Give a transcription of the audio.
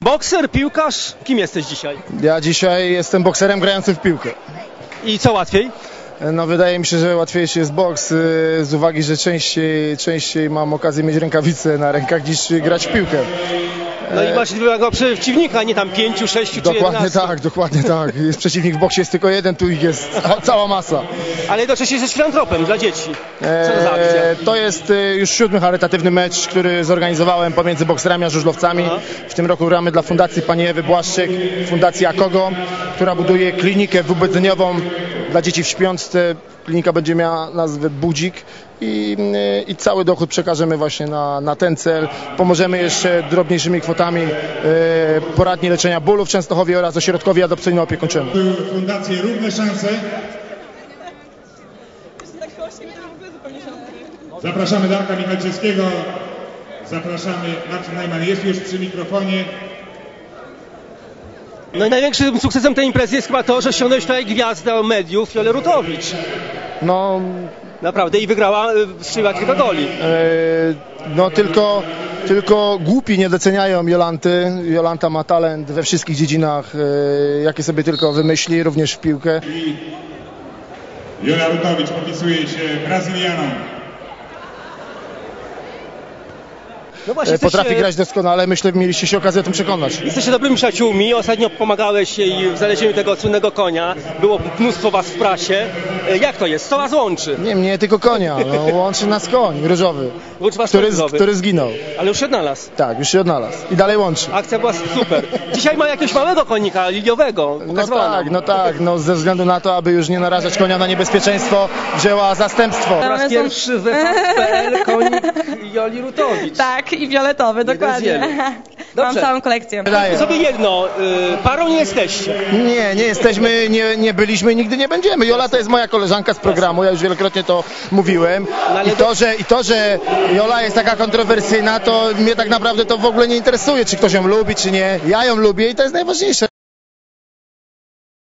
Bokser, piłkarz, kim jesteś dzisiaj? Ja dzisiaj jestem bokserem grającym w piłkę. I co łatwiej? No wydaje mi się, że łatwiejszy jest boks z uwagi, że częściej mam okazję mieć rękawice na rękach niż grać w piłkę. No i masz drugiego przeciwnika, nie tam 5, 6 czy 11. Dokładnie tak. Jest przeciwnik w boksie jest tylko jeden, tu ich jest cała masa. Ale jednocześnie jesteś filantropem dla dzieci. Co to za akcja? To jest już 7. charytatywny mecz, który zorganizowałem pomiędzy bokserami a żużlowcami. W tym roku gramy dla Fundacji Pani Ewy Błaszczyk, Fundacji Akogo, która buduje klinikę wybudzeniową dla dzieci w śpiączce. Klinika będzie miała nazwę Budzik i cały dochód przekażemy właśnie na ten cel. Pomożemy jeszcze drobniejszymi kwotami poradni leczenia bólu w Częstochowie oraz ośrodkowi adopcyjno-opiekuńczemu. Fundację Równe Szanse. Zapraszamy Darka Michalczewskiego. Zapraszamy Marcin Najman, jest już przy mikrofonie. No i największym sukcesem tej imprezy jest chyba to, że ściągnąłeś tutaj gwiazdę mediów, Jolę Rutowicz. No, naprawdę i wygrała, strzeliła kilka goli. No tylko głupi nie doceniają Jolanty. Jolanta ma talent we wszystkich dziedzinach, jakie sobie tylko wymyśli, również w piłkę. Jola Rutowicz popisuje się Brazylianą. No właśnie, Potrafi grać doskonale, myślę, mieliście się okazję o tym przekonać. Jesteście dobrymi przyjaciółmi, ostatnio pomagałeś jej w znalezieniu tego słynnego konia, było mnóstwo was w prasie. Jak to jest? Co was łączy? Nie mnie, tylko konia. No, łączy nas koń różowy, Łączy was różowy. który zginął. Ale już się odnalazł. Tak, już się odnalazł i dalej łączy. Akcja była super. Dzisiaj ma jakiegoś małego konika, liliowego. No ze względu na to, aby już nie narażać konia na niebezpieczeństwo, wzięła zastępstwo. Po raz pierwszy we FAP.pl konik Joli Rutowicz. Tak, i fioletowy, dokładnie. Mam całą kolekcję. Sobie jedno, parą nie jesteście. Nie jesteśmy, nie byliśmy i nigdy nie będziemy. Jola to jest moja koleżanka z programu, ja już wielokrotnie to mówiłem. I to, że Jola jest taka kontrowersyjna, to mnie tak naprawdę to w ogóle nie interesuje, czy ktoś ją lubi, czy nie. Ja ją lubię i to jest najważniejsze.